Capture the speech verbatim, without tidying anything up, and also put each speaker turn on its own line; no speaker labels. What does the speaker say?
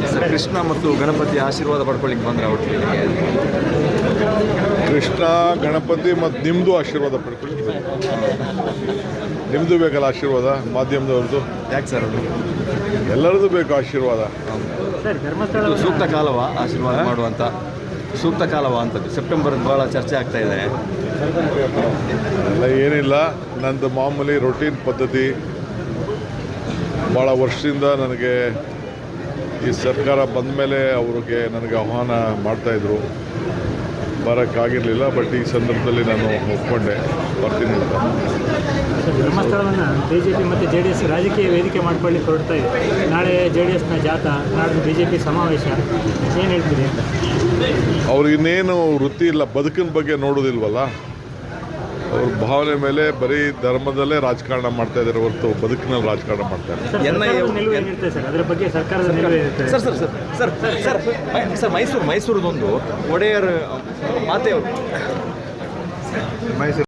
Sir Krishna ಮತ್ತು ಗಣಪತಿ ಆಶೀರ್ವಾದ ಪಡ್ಕೊಳ್ಳಿಕ್ಕೆ ಬಂದ್ರೆ ಒಟ್ಟಿಗೆ
ಕೃಷ್ಣ ಗಣಪತಿ ಮತ್ತು ನಿಮ್ಮದು ಆಶೀರ್ವಾದ ಪಡ್ಕೊಳ್ಳಿ. ನಿಮ್ಮದು ಬೇಕಲ್ಲ ಆಶೀರ್ವಾದ, ಮಾಧ್ಯಮದವ್ರದ್ದು.
ಯಾಕೆ ಸರ್ ಅದು
ಎಲ್ಲರದ್ದು ಬೇಕು ಆಶೀರ್ವಾದ.
ಇದು ಸೂಕ್ತ ಕಾಲವಾ ಆಶೀರ್ವಾದ ಮಾಡುವಂಥ ಸೂಕ್ತ ಕಾಲವಾ ಅಂತದ್ದು? ಸೆಪ್ಟೆಂಬರ್ ಭಾಳ ಚರ್ಚೆ ಆಗ್ತಾ ಇದೆ.
ಎಲ್ಲ ಏನಿಲ್ಲ, ನಂದು ಮಾಮೂಲಿ ರೊಟೀನ್ ಪದ್ಧತಿ. ಭಾಳ ವರ್ಷದಿಂದ ನನಗೆ ಈ ಸರ್ಕಾರ ಬಂದ ಮೇಲೆ ಅವ್ರಿಗೆ ನನಗೆ ಆಹ್ವಾನ ಮಾಡ್ತಾಯಿದ್ರು, ಬರೋಕ್ಕಾಗಿರಲಿಲ್ಲ. ಬಟ್ ಈ ಸಂದರ್ಭದಲ್ಲಿ ನಾನು ಒಪ್ಕೊಂಡೆ, ಬರ್ತೀನಿ ಅಂತ.
ಧರ್ಮಸ್ಥಳವನ್ನು ಬಿ ಜೆ ಪಿ ಮತ್ತು ಜೆ ಡಿ ಎಸ್ ರಾಜಕೀಯ ವೇದಿಕೆ ಮಾಡ್ಕೊಳ್ಳಿಕ್ಕೆ ಹೊರಡ್ತಾ ಇದೆ. ನಾಳೆ ಜೆ ಡಿ ಎಸ್ನ ಜಾಥಾ, ನಾಳೆ ಬಿ ಜೆ ಪಿ ಸಮಾವೇಶ, ಏನು ಹೇಳ್ತೀರಿ ಅಂತ?
ಅವ್ರಿಗಿನ್ನೇನು ವೃತ್ತಿ ಇಲ್ಲ, ಬದುಕಿನ ಬಗ್ಗೆ ನೋಡೋದಿಲ್ವಲ್ಲ. ಅವ್ರ ಭಾವನೆ ಮೇಲೆ ಬರೀ ಧರ್ಮದಲ್ಲೇ ರಾಜಕಾರಣ ಮಾಡ್ತಾ ಇದ್ದಾರೆ ಹೊರತು ಬದುಕಿನಲ್ಲಿ ರಾಜಕಾರಣ ಮಾಡ್ತಾರೆ.
ನಿಲುವು ಏನಿರುತ್ತೆ ಸರ್ ಅದರ ಬಗ್ಗೆ? ಸರ್ಕಾರದ ನಿಲುವು ಇರುತ್ತೆ
sir sir sir sir sir sir Mysuru ಮೈಸೂರದೊಂದು ಒಡೆಯರ್ ಮಾತೆಯವರು ಮೈಸೂರು